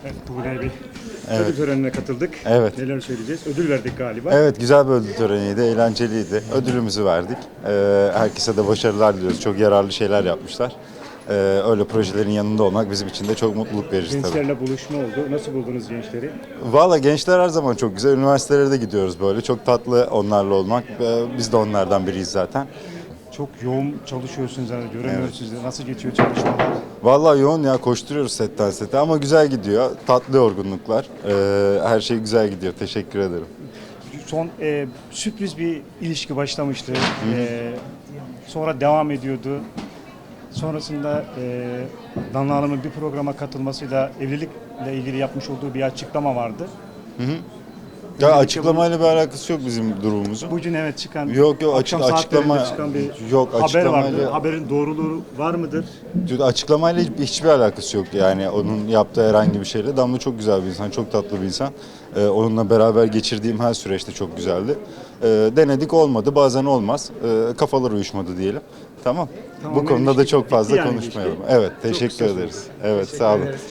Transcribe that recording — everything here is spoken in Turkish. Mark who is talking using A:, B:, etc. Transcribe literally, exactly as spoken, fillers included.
A: Evet, Tuğrul Bey.
B: Evet.
A: Ödül törenine katıldık.
B: Evet.
A: Neler söyleyeceğiz? Ödül verdik galiba.
B: Evet, güzel bir ödül töreniydi, eğlenceliydi. Ödülümüzü verdik. Ee, herkese de başarılar diliyoruz. Çok yararlı şeyler yapmışlar. Ee, öyle projelerin yanında olmak bizim için de çok mutluluk verici tabii.
A: Gençlerle buluşma oldu. Nasıl buldunuz gençleri?
B: Valla gençler her zaman çok güzel. Üniversitelere de gidiyoruz böyle. Çok tatlı onlarla olmak. Ee, biz de onlardan biriyiz zaten.
A: Çok yoğun çalışıyorsunuz, yani göremiyoruz sizi. Nasıl geçiyor çalışmalar?
B: Vallahi yoğun ya, koşturuyoruz setten sete ama güzel gidiyor. Tatlı yorgunluklar. Ee, her şey güzel gidiyor. Teşekkür ederim.
A: Son e, sürpriz bir ilişki başlamıştı. E, sonra devam ediyordu. Sonrasında e, Danla Hanım'ın bir programa katılmasıyla evlilikle ilgili yapmış olduğu bir açıklama vardı.
B: Ya açıklamayla bir alakası yok bizim durumumuzun.
A: Bugün evet çıkan,
B: Yok yok,
A: akşam
B: açık- açıklama
A: saatlerinde çıkan bir
B: yok,
A: haber
B: açıklamayla-
A: vardı. Haberin doğruluğu var mıdır?
B: Açıklamayla hiç- hiçbir alakası yok yani onun yaptığı herhangi bir şeyle. Damla çok güzel bir insan, çok tatlı bir insan. Ee, onunla beraber geçirdiğim her süreçte çok güzeldi. Ee, denedik, olmadı, bazen olmaz. Ee, kafalar uyuşmadı diyelim. Tamam.
A: Tamam,
B: Bu konuda da
A: ilişki
B: çok
A: bitti
B: fazla
A: yani
B: konuşmayalım.
A: ilişki.
B: Evet,
A: Çok
B: teşekkür
A: kısa
B: ederiz.
A: sürdü.
B: Evet,
A: Teşekkür
B: sağ olun.
A: ederiz.